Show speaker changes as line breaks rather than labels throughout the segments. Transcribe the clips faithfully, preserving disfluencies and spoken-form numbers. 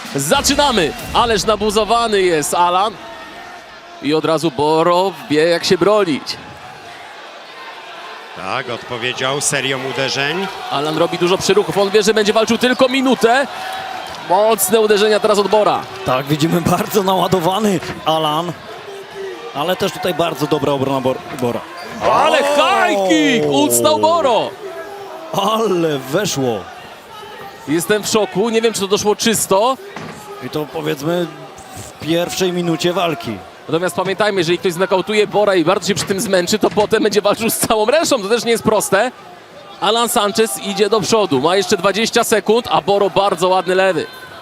Zaczynamy! Ależ nabuzowany jest Alan. I od razu Boro wie, jak się bronić.
Tak, odpowiedział serią uderzeń.
Alan robi dużo przyruchów. On wie, że będzie walczył tylko minutę. Mocne uderzenia teraz od Bora.
Tak, widzimy bardzo naładowany Alan. Ale też tutaj bardzo dobra obrona Bor Bora.
Ale high kick! Ucnął Boro.
Ale weszło.
Jestem w szoku. Nie wiem, czy to doszło czysto.
I to powiedzmy w pierwszej minucie walki.
Natomiast pamiętajmy, jeżeli ktoś znakautuje Bora i bardzo się przy tym zmęczy, to potem będzie walczył z całą resztą. To też nie jest proste. Alan Sanchez idzie do przodu. Ma jeszcze dwadzieścia sekund, a Boro bardzo ładny lewy.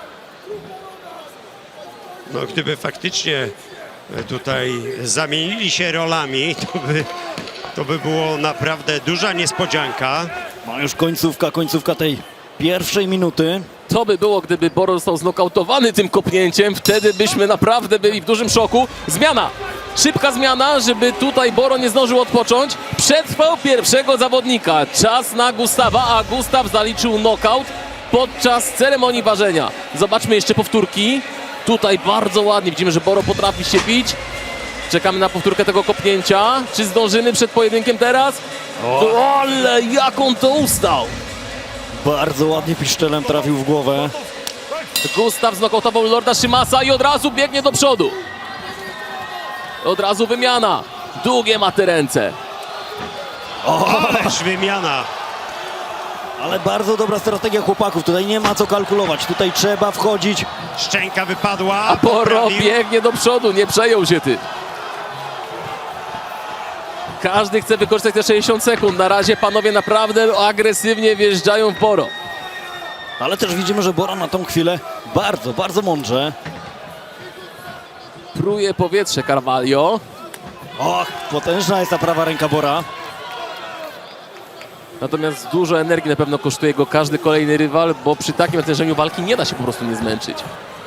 No gdyby faktycznie tutaj zamienili się rolami, to by, to by było naprawdę duża niespodzianka.
No już końcówka, końcówka tej pierwszej minuty.
Co by było, gdyby Boro został znokautowany tym kopnięciem? Wtedy byśmy naprawdę byli w dużym szoku. Zmiana! Szybka zmiana, żeby tutaj Boro nie zdążył odpocząć. Przetrwał pierwszego zawodnika. Czas na Gustawa, a Gustaw zaliczył knockout podczas ceremonii ważenia. Zobaczmy jeszcze powtórki. Tutaj bardzo ładnie widzimy, że Boro potrafi się bić. Czekamy na powtórkę tego kopnięcia. Czy zdążymy przed pojedynkiem teraz? O, ale jak on to ustał!
Bardzo ładnie piszczelem trafił w głowę.
Gustaw znokautował Lorda Szymasa i od razu biegnie do przodu. Od razu wymiana. Długie ma te ręce.
Ależ wymiana.
Ale bardzo dobra strategia chłopaków. Tutaj nie ma co kalkulować. Tutaj trzeba wchodzić.
Szczęka wypadła.
A Boro
poprawił.
biegnie do przodu. Nie przejął się ty. Każdy chce wykorzystać te sześćdziesiąt sekund. Na razie panowie naprawdę agresywnie wjeżdżają w Boro.
Ale też widzimy, że Bora na tą chwilę bardzo, bardzo mądrze.
Pruje powietrze Carvalho.
Och, potężna jest ta prawa ręka Bora.
Natomiast dużo energii na pewno kosztuje go każdy kolejny rywal, bo przy takim natężeniu walki nie da się po prostu nie zmęczyć.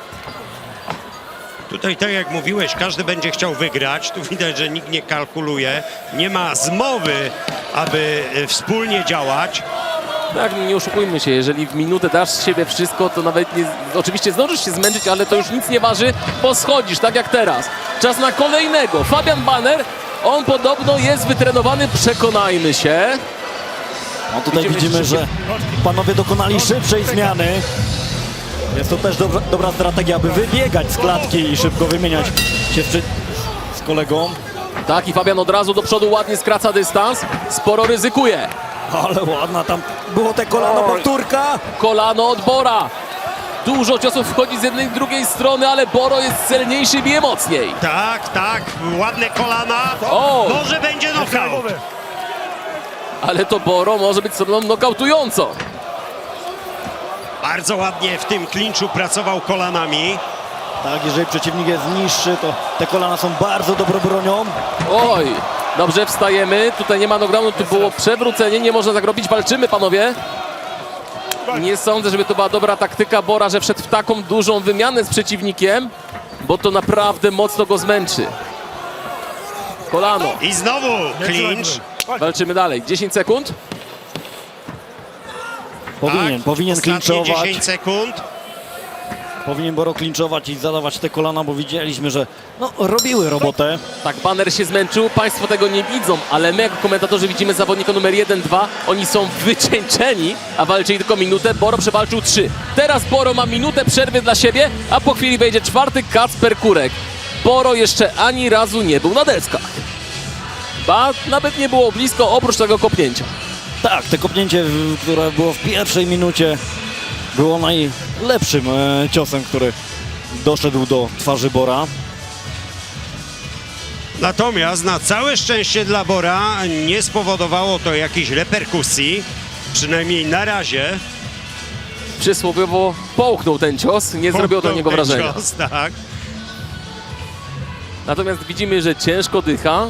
Tutaj, tak jak mówiłeś, każdy będzie chciał wygrać. Tu widać, że nikt nie kalkuluje. Nie ma zmowy, aby e, wspólnie działać.
Tak, nie oszukujmy się, jeżeli w minutę dasz z siebie wszystko, to nawet nie, oczywiście zdążysz się zmęczyć, ale to już nic nie waży, bo schodzisz, tak jak teraz. Czas na kolejnego. Fabian Banner, on podobno jest wytrenowany, przekonajmy się.
No tutaj
Idziemy
widzimy,
szybciej.
że panowie dokonali szybszej zmiany. Jest to też dobra, dobra strategia, aby wybiegać z klatki i szybko wymieniać się z, z kolegą.
Tak, i Fabian od razu do przodu ładnie skraca dystans, sporo ryzykuje.
Ale ładna tam było te kolano, powtórka.
Kolano od Bora. Dużo ciosów wchodzi z jednej i drugiej strony, ale Boro jest celniejszy, bije mocniej.
Tak, tak, ładne kolana.
O!
Może będzie knockout.
Ale to Boro może być stroną nokautującą.
Bardzo ładnie w tym klinczu pracował kolanami.
Tak, jeżeli przeciwnik jest niższy, to te kolana są bardzo dobrą bronią.
Oj, dobrze, wstajemy. Tutaj nie ma knockdownu, tu było przewrócenie, nie można tak robić. Walczymy, panowie. Nie sądzę, żeby to była dobra taktyka Bora, że wszedł w taką dużą wymianę z przeciwnikiem, bo to naprawdę mocno go zmęczy. Kolano.
I znowu klincz.
Walczymy dalej. dziesięć sekund.
Powinien,
Tak,
powinien
ostatnie
klinczować.
dziesięć sekund.
Powinien Boro klinczować i zadawać te kolana, bo widzieliśmy, że no, robiły robotę.
Tak, Banner się zmęczył, państwo tego nie widzą, ale my jako komentatorzy widzimy zawodnika numer jeden, dwa. Oni są wycieńczeni, a walczyli tylko minutę. Boro przewalczył trzy. Teraz Boro ma minutę przerwy dla siebie, a po chwili wejdzie czwarty Kacper Kurek. Boro jeszcze ani razu nie był na deskach. Ba, nawet nie było blisko, oprócz tego kopnięcia.
Tak, te kopnięcie, w- które było w pierwszej minucie, było najlepszym e, ciosem, który doszedł do twarzy Bora.
Natomiast na całe szczęście dla Bora nie spowodowało to jakichś reperkusji. Przynajmniej na razie.
Przysłowiowo połknął ten cios, nie zrobiło to na niego
Ten
wrażenia.
cios, tak.
Natomiast widzimy, że ciężko dycha.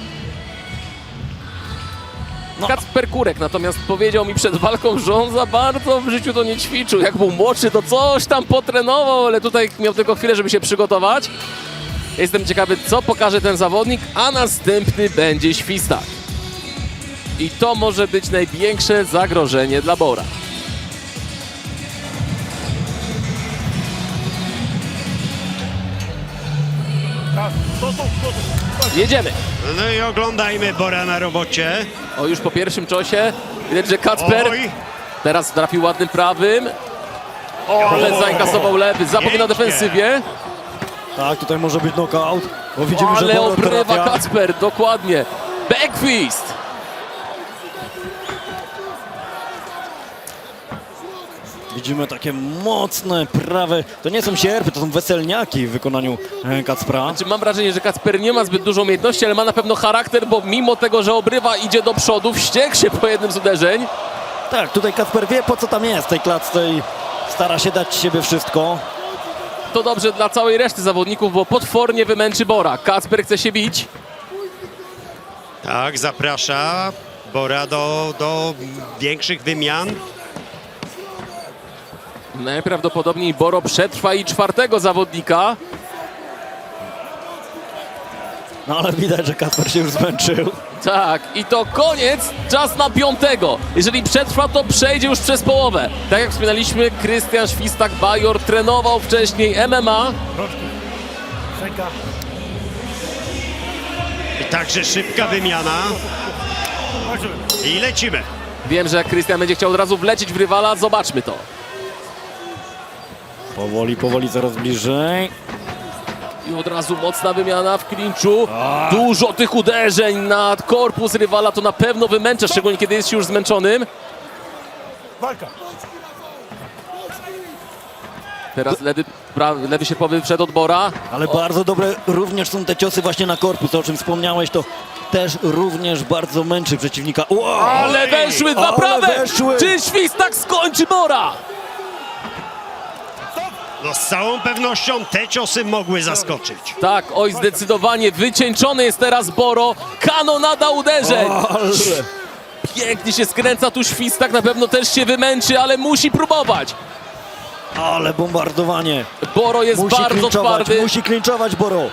No.
Kacper Kurek natomiast powiedział mi przed walką, że on za bardzo w życiu to nie ćwiczył. Jak był młodszy, to coś tam potrenował, ale tutaj miał tylko chwilę, żeby się przygotować. Jestem ciekawy, co pokaże ten zawodnik, a następny będzie świstak. I to może być największe zagrożenie dla Bora. Jedziemy.
No i oglądajmy Bora na robocie.
O, już po pierwszym ciosie widać, że Kacper
Oj,
teraz trafił ładnym prawym. O, ale zainkasował lewy, zapomina o
Pięknie.
defensywie.
Tak, tutaj może być knockout, bo widzimy, że
Ale
Boro
obrywa
trafia.
Kacper, dokładnie. Backfist.
Widzimy takie mocne prawe, to nie są sierpy, to są weselniaki w wykonaniu e, Kacpra.
Znaczy, mam wrażenie, że Kacper nie ma zbyt dużo umiejętności, ale ma na pewno charakter, bo mimo tego, że obrywa, idzie do przodu, wściekł się po jednym z uderzeń.
Tak, tutaj Kacper wie, po co tam jest w tej klatce i stara się dać z siebie wszystko.
To dobrze dla całej reszty zawodników, bo potwornie wymęczy Bora. Kacper chce się bić.
tak, zaprasza Bora do, do większych wymian.
Najprawdopodobniej Boro przetrwa i czwartego zawodnika.
No ale widać, że Kacper się już zmęczył.
Tak, i to koniec, czas na piątego. Jeżeli przetrwa, to przejdzie już przez połowę. Tak jak wspominaliśmy, Krystian Świstak-Bajor trenował wcześniej M M A.
I także szybka wymiana. I lecimy.
Wiem, że Krystian będzie chciał od razu wlecieć w rywala, zobaczmy to.
Powoli, powoli, coraz bliżej.
I od razu mocna wymiana w klinczu. Dużo tych uderzeń na korpus rywala, to na pewno wymęcza, szczególnie kiedy jest już zmęczonym.
Walka.
Teraz lewy, pra, lewy sierpowy wszedł od Bora.
Ale bardzo dobre również są te ciosy właśnie na korpus, o czym wspomniałeś, to też również bardzo męczy przeciwnika. Wow!
Ale weszły dwa
Ale
prawe!
weszły!
Czy Świstak skończy Bora?
No z całą pewnością te ciosy mogły zaskoczyć.
Tak, oj, zdecydowanie wycieńczony jest teraz Boro. Kanonada uderzeń.
Ale...
Pięknie się skręca tu Świstak, na pewno też się wymęczy, ale musi próbować.
Ale bombardowanie.
Boro jest
Musi
bardzo
klinczować,
twardy,
musi klinczować Boro.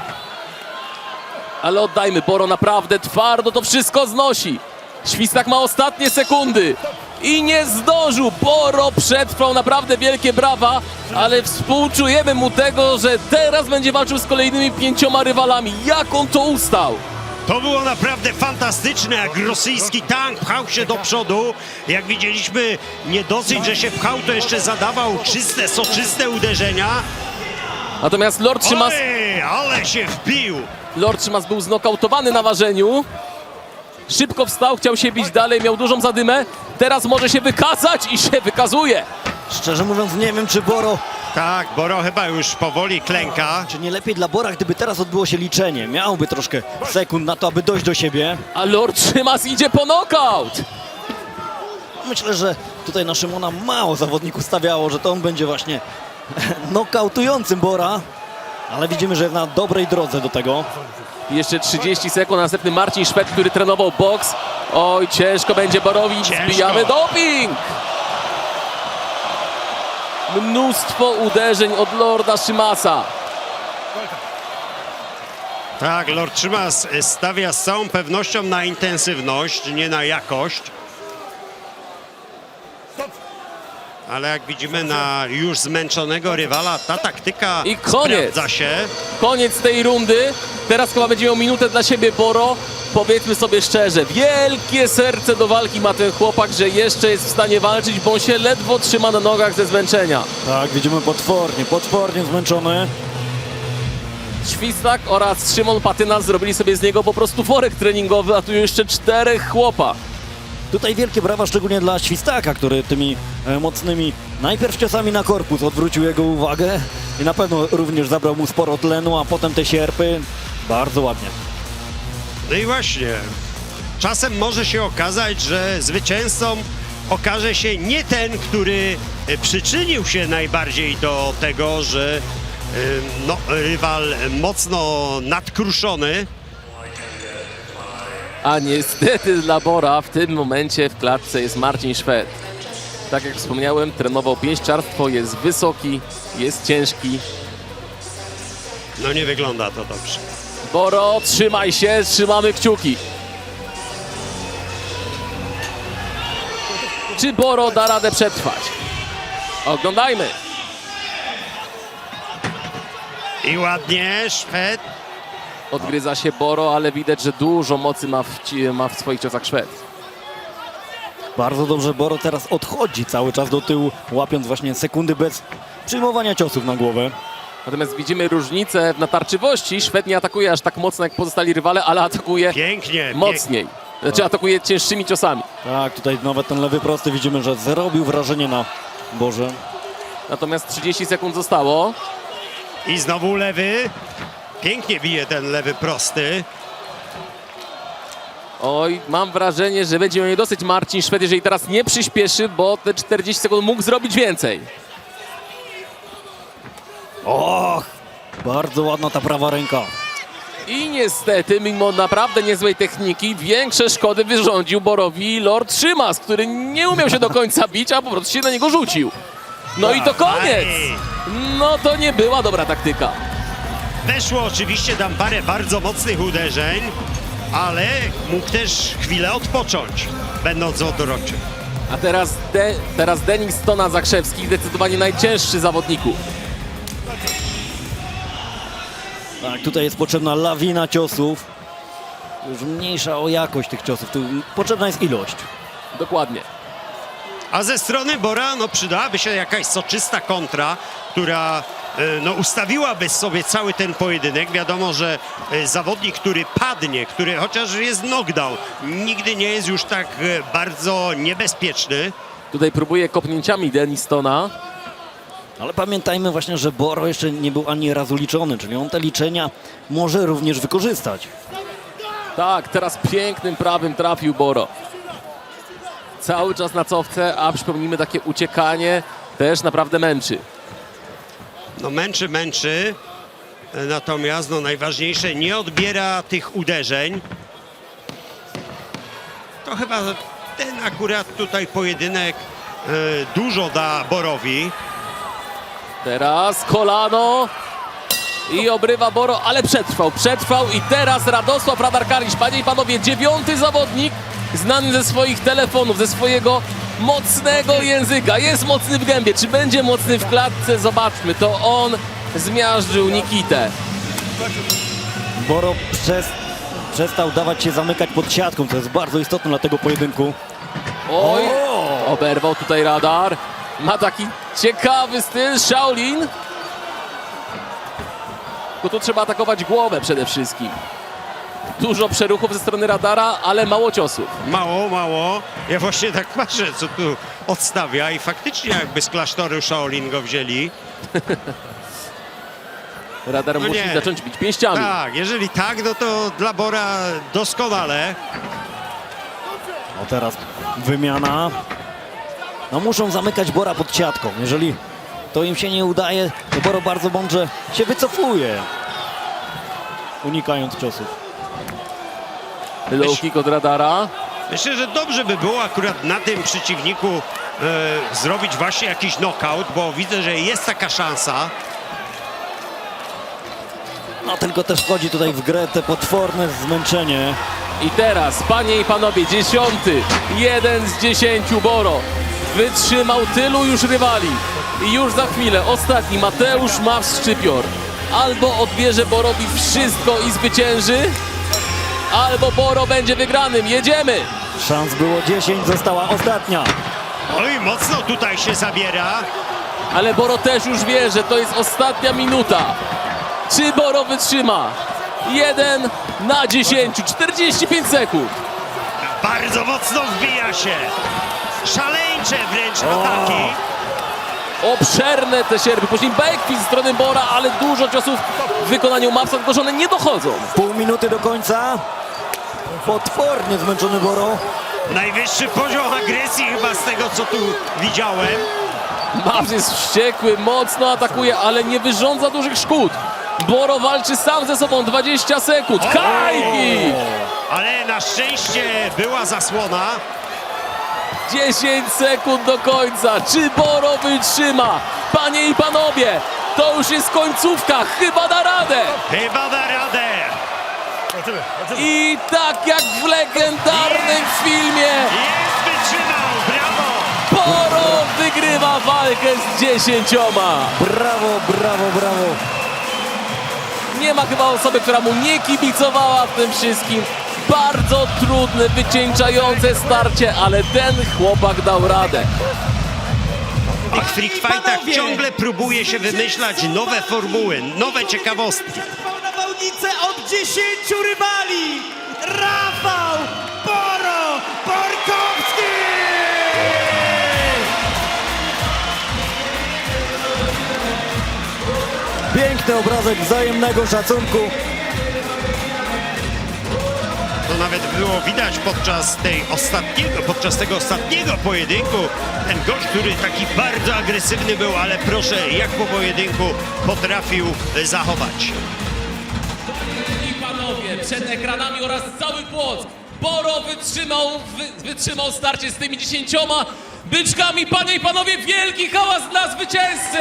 ale oddajmy, Boro naprawdę twardo to wszystko znosi. Świstak ma ostatnie sekundy i nie zdążył. Boro przetrwał, naprawdę wielkie brawa, ale współczujemy mu tego, że teraz będzie walczył z kolejnymi pięcioma rywalami. Jak on to ustał?
To było naprawdę fantastyczne, jak rosyjski tank pchał się do przodu. Jak widzieliśmy, nie dosyć, że się pchał, to jeszcze zadawał czyste, soczyste uderzenia.
Natomiast Lord Szymas,
Oj, ale się wbił.
Lord Szymas był znokautowany na ważeniu. Szybko wstał, chciał się bić dalej, miał dużą zadymę. Teraz może się wykazać i się wykazuje.
Szczerze mówiąc, nie wiem, czy Boro,
Tak, Boro chyba już powoli klęka.
czy nie lepiej dla Bora, gdyby teraz odbyło się liczenie. Miałby troszkę sekund na to, aby dojść do siebie.
A Lord Szymas idzie po knockout.
Myślę, że tutaj na Szymona mało zawodników stawiało, że to on będzie właśnie nokautującym Bora. Ale widzimy, że jest na dobrej drodze do tego.
Jeszcze trzydzieści sekund, następny Marcin Szwed, który trenował boks. Oj, ciężko będzie Borowi,
Ciężko.
zbijamy doping! Mnóstwo uderzeń od Lorda Szymasa.
Tak, Lord Szymas stawia z całą pewnością na intensywność, nie na jakość. Ale jak widzimy na już zmęczonego rywala, ta taktyka
I koniec.
sprawdza się.
Koniec tej rundy. Teraz chyba będzie miał minutę dla siebie Boro. Powiedzmy sobie szczerze, wielkie serce do walki ma ten chłopak, że jeszcze jest w stanie walczyć, bo on się ledwo trzyma na nogach ze zmęczenia.
Tak, widzimy potwornie, potwornie zmęczony.
Świstak oraz Szymon Patyna zrobili sobie z niego po prostu worek treningowy, a tu jeszcze czterech chłopa.
Tutaj wielkie brawa szczególnie dla Świstaka, który tymi e, mocnymi najpierw ciosami na korpus odwrócił jego uwagę i na pewno również zabrał mu sporo tlenu, a potem te sierpy. Bardzo ładnie.
No i właśnie, czasem może się okazać, że zwycięzcą okaże się nie ten, który e, przyczynił się najbardziej do tego, że e, no, rywal mocno nadkruszony.
A niestety dla Bora w tym momencie w klatce jest Marcin Szwed. Tak jak wspomniałem, trenował pięściarstwo, jest wysoki, jest ciężki.
No nie wygląda to dobrze.
Boro, trzymaj się, trzymamy kciuki. Czy Boro da radę przetrwać? Oglądajmy.
I ładnie, Szwed
Odgryza się Boro, ale widać, że dużo mocy ma w, ci- ma w swoich ciosach Szwed.
Bardzo dobrze Boro teraz odchodzi cały czas do tyłu, łapiąc właśnie sekundy bez przyjmowania ciosów na głowę.
Natomiast widzimy różnicę w natarczywości. Szwed nie atakuje aż tak mocno jak pozostali rywale, ale atakuje
Pięknie.
mocniej. Znaczy atakuje cięższymi ciosami.
Tak, tutaj nawet ten lewy prosty widzimy, że zrobił wrażenie na Borze.
Natomiast trzydzieści sekund zostało.
I znowu lewy. Pięknie bije ten lewy prosty.
Oj, mam wrażenie, że będzie miał nie dosyć Marcin Szwed, jeżeli teraz nie przyspieszy, bo te czterdzieści sekund mógł zrobić więcej.
Och, bardzo ładna ta prawa ręka.
I niestety, mimo naprawdę niezłej techniki, większe szkody wyrządził Borowi Lord Szymas, który nie umiał się do końca bić, a po prostu się na niego rzucił. No i to koniec! No to nie była dobra taktyka.
Weszło oczywiście tam parę bardzo mocnych uderzeń, ale mógł też chwilę odpocząć, będąc odroczy.
A teraz, De teraz Denis Stona Zakrzewski, zdecydowanie najcięższy zawodników.
Tak, tutaj jest potrzebna lawina ciosów. Już mniejsza o jakość tych ciosów, tu potrzebna jest ilość.
Dokładnie.
A ze strony Bora no, przydałaby się jakaś soczysta kontra, która e, no, ustawiłaby sobie cały ten pojedynek. Wiadomo, że e, zawodnik, który padnie, który chociaż jest knockdown, nigdy nie jest już tak e, bardzo niebezpieczny.
Tutaj próbuje kopnięciami Denis Stona.
Ale pamiętajmy właśnie, że Boro jeszcze nie był ani razu liczony, czyli on te liczenia może również wykorzystać.
Tak, teraz pięknym prawym trafił Boro. Cały czas na cofce, a przypomnijmy, takie uciekanie też naprawdę męczy.
No męczy, męczy, e, natomiast no, najważniejsze, nie odbiera tych uderzeń. To chyba ten akurat tutaj pojedynek e, dużo da Borowi.
Teraz kolano i obrywa Boro, ale przetrwał, przetrwał i teraz Radosław Radarkariś, panie i panowie, dziewiąty zawodnik znany ze swoich telefonów, ze swojego mocnego języka. Jest mocny w gębie, czy będzie mocny w klatce? Zobaczmy, to on zmiażdżył Nikitę.
Boro przez, przestał dawać się zamykać pod siatką, co jest bardzo istotne dla tego pojedynku.
Oj, oberwał tutaj Radar. Ma taki ciekawy styl Shaolin. Tylko tu trzeba atakować głowę przede wszystkim. Dużo przeruchów ze strony Radara, ale mało ciosów.
Mało, mało. Ja właśnie tak patrzę, co tu odstawia i faktycznie jakby z klasztoru Shaolin go wzięli.
Radar
No
musi
nie.
zacząć bić pięściami.
Tak, jeżeli tak, no to dla Bora doskonale.
No teraz wymiana. No muszą zamykać Bora pod siatką. Jeżeli to im się nie udaje, to Boro bardzo mądrze się wycofuje, unikając ciosów.
Low kick od Radara.
Myślę, że dobrze by było akurat na tym przeciwniku e, zrobić właśnie jakiś knockout, bo widzę, że jest taka szansa.
No tylko też wchodzi tutaj w grę te potworne zmęczenie.
I teraz, panie i panowie, dziesiąty, jeden z dziesięciu Boro. Wytrzymał tylu już rywali. I już za chwilę ostatni Mateusz Maws-Szczypior. Albo odbierze Borowi wszystko i zwycięży, albo Boro będzie wygranym. Jedziemy!
Szans było dziesięć, została ostatnia.
Oj, mocno tutaj się zabiera.
Ale Boro też już wie, że to jest ostatnia minuta. Czy Boro wytrzyma? jeden na dziesięć, czterdzieści pięć sekund.
Bardzo mocno wbija się. Szaleńcze wręcz ataki.
Obszerne te sierpy. Później backfist ze strony Bora, ale dużo ciosów w wykonaniu Mawsa, tylko że one nie dochodzą.
Pół minuty do końca. Potwornie zmęczony Boro.
Najwyższy poziom agresji chyba z tego, co tu widziałem.
Maws jest wściekły, mocno atakuje, ale nie wyrządza dużych szkód. Boro walczy sam ze sobą, dwadzieścia sekund. Hajki!
Ale na szczęście była zasłona.
dziesięć sekund do końca. Czy Boro wytrzyma? Panie i panowie, to już jest końcówka. Chyba da radę.
Chyba da radę.
Zobaczymy, zobaczymy.
I tak jak w legendarnym filmie,
Jest, wytrzymał, brawo.
Boro wygrywa walkę z dziesięcioma.
Brawo, brawo, brawo.
Nie ma chyba osoby, która mu nie kibicowała w tym wszystkim. Bardzo trudne, wycieńczające starcie, ale ten chłopak dał radę.
W tych freak fightach ciągle próbuje się wymyślać nowe formuły, nowe ciekawostki.
Trwał na bałnicę od dziesięciu rywali. Rafał Boro Borkowski!
Piękny obrazek wzajemnego szacunku.
To nawet było widać podczas tej ostatniego, podczas tego ostatniego pojedynku. Ten gość, który taki bardzo agresywny był, ale proszę, jak po pojedynku potrafił zachować.
I panowie, przed ekranami oraz cały Płock, Boro wytrzymał, wy, wytrzymał starcie z tymi dziesięcioma byczkami. Panie i panowie, wielki hałas dla zwycięzcy!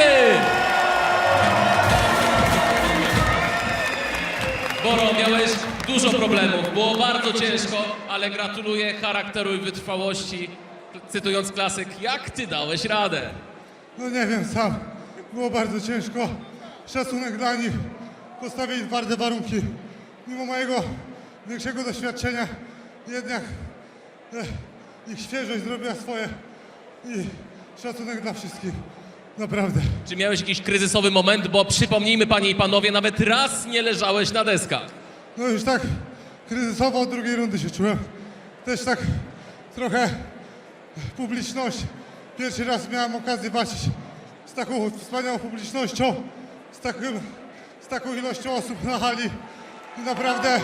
Boro, miałeś dużo problemów, było bardzo ciężko, ale gratuluję charakteru i wytrwałości. Cytując klasyk, jak ty dałeś radę?
No nie wiem sam. Było bardzo ciężko. Szacunek dla nich. Postawili twarde warunki. Mimo mojego większego doświadczenia jednak e, ich świeżość zrobiła swoje. I szacunek dla wszystkich. Naprawdę.
Czy miałeś jakiś kryzysowy moment, bo przypomnijmy panie i panowie, nawet raz nie leżałeś na deskach.
No już tak kryzysowo od drugiej rundy się czułem. Też tak trochę publiczność. Pierwszy raz miałem okazję walczyć z taką wspaniałą publicznością, z, takim, z taką ilością osób na hali. I naprawdę,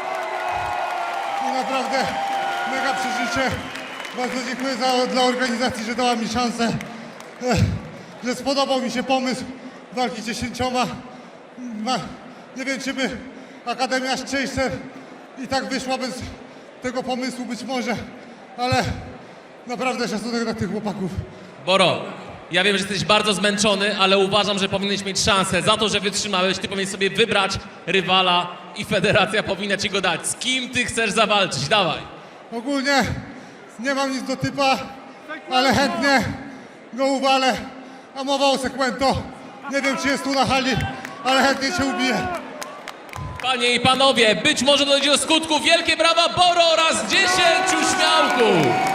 i naprawdę mega przeżycie. Bardzo dziękuję za, dla organizacji, że dała mi szansę, e, że spodobał mi się pomysł walki dziesięcioma. Ma, nie wiem, czy by Akademia Szczęścer i tak wyszła bez tego pomysłu być może, ale naprawdę szacunek dla tych chłopaków.
Boro, ja wiem, że jesteś bardzo zmęczony, ale uważam, że powinieneś mieć szansę. Za to, że wytrzymałeś, ty powinieneś sobie wybrać rywala i federacja powinna ci go dać. Z kim ty chcesz zawalczyć? Dawaj.
Ogólnie nie mam nic do typa, ale chętnie go uwalę. A mowa o Sekwento. Nie wiem, czy jest tu na hali, ale chętnie się ubiję.
Panie i panowie, być może dojdzie do skutku. Wielkie brawa Boro oraz dziesięciu śmiałków.